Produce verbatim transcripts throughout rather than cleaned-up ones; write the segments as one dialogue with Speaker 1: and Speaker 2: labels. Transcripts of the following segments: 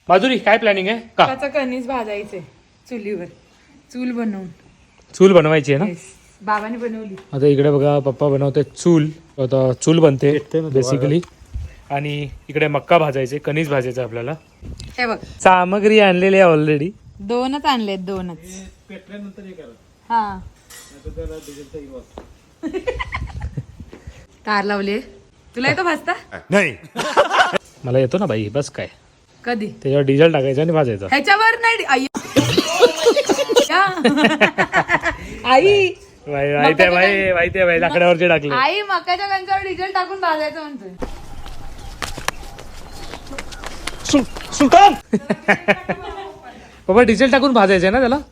Speaker 1: माधुरी काय प्लॅनिंग आहे का?
Speaker 2: त्याचा कणीस भाजायचे चुलीवर, चूल बनवून.
Speaker 1: चूल बनवायची आहे ना?
Speaker 2: बाबाने बनवली.
Speaker 1: आता इकडे बघा पप्पा बनवते चूल. आता चूल बनते बेसिकली. आणि इकडे मक्का भाजायचे, कणीस भाजायचं आपल्याला.
Speaker 2: हे बघ
Speaker 1: सामग्री आणलेली आहे ऑलरेडी.
Speaker 2: दोनच आणलेत, दोनच. हा तार लावले. तुला येतो भाजता?
Speaker 1: नाही. मला येतो ना बाई, बस काय.
Speaker 2: कधी?
Speaker 1: त्याच्यावर डिझेल टाकायचं आणि भाजायचं.
Speaker 2: ह्याच्यावर नाही. आई आई
Speaker 1: माहिती आहे बाई, माहिती आहे बाई, लाकडावरचे टाकले.
Speaker 2: आई मकाच्या कणसावर डिझेल टाकून भाजायचं म्हणतोय.
Speaker 1: सुलतान बाबा डिझेल टाकून भाजायचंय ना त्याला.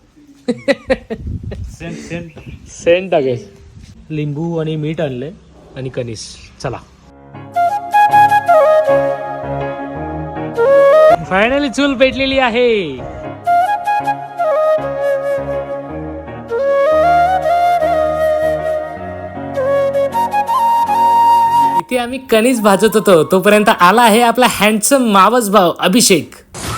Speaker 1: सेंट टाकायचं. लिंबू आणि मीठ आणले आणि कणीस. चला फायनली चूल पेटलेली आहे. इथे आम्ही कणीस भाजत होतो तोपर्यंत आला आहे आपला हँडसम मावस भाऊ अभिषेक.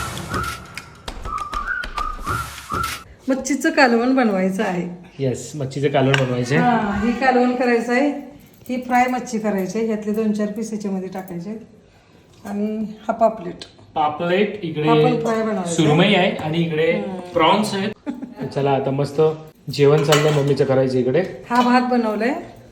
Speaker 3: मच्छीचं कालवण बनवायचं आहे.
Speaker 1: येस, मच्छीचं कालवण बनवायचे.
Speaker 3: हा, ही कालवण करायचं आहे. ही फ्राय मच्छी करायची आहे. यातले दोन चार पीस याच्यामध्ये टाकायचे आणि हा पापलेट.
Speaker 1: पापलेट
Speaker 3: आपण
Speaker 1: इकडे
Speaker 3: फ्राय बनवायचं.
Speaker 1: सुरमई आहे आणि इकडे प्रॉन्स आहेत. चला आता मस्त जेवण चाललंय मम्मीचं करायचं इकडे.
Speaker 3: हा भात बनवलाय.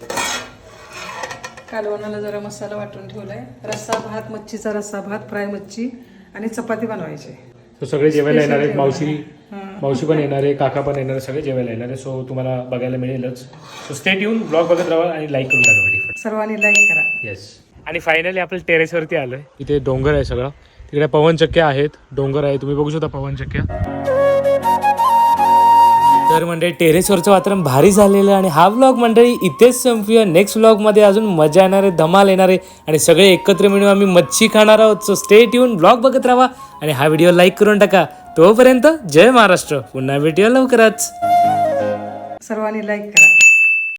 Speaker 3: कालवणाला जरा मसाला वाटून ठेवलाय. रस्सा भात, मच्छीचा रस्सा भात, फ्राय मच्छी आणि चपाती बनवायची.
Speaker 1: तो सगळे जेवायला येणार आहेत. मावशी मावशी पण येणार आहे, काका पण येणार आहे, सगळे जेवायला येणार आहे. सो तुम्हाला बघायला मिळेलच. सो स्टे ट्यून, ब्लॉग बघत राहा आणि लाईक करून टाका.
Speaker 3: सर्वांनी लाईक करा.
Speaker 1: येस. आणि फायनली आपण टेरेसवरती आलोय. इथे डोंगर आहे सगळं. तिकडे पवनचक्क्या आहेत, डोंगर आहे, तुम्ही बघू शकता पवनचक्क्या. तर मंडळी टेरेसवरचं वातावरण भारी झालेलं आणि हा व्लॉग मंडळी इथेच संपूया. नेक्स्ट व्लॉगमध्ये अजून मजा येणार आहे, धमाल येणार आहे आणि सगळे एकत्र मिळून आम्ही मच्छी खाणार आहोत. सो स्टे ट्यून, ब्लॉग बघत राहा आणि हा व्हिडिओ लाईक करून टाका. तोपर्यंत जय महाराष्ट्र. पुन्हा भेटूया लवकरच.
Speaker 3: सर्वांनी लाईक करा.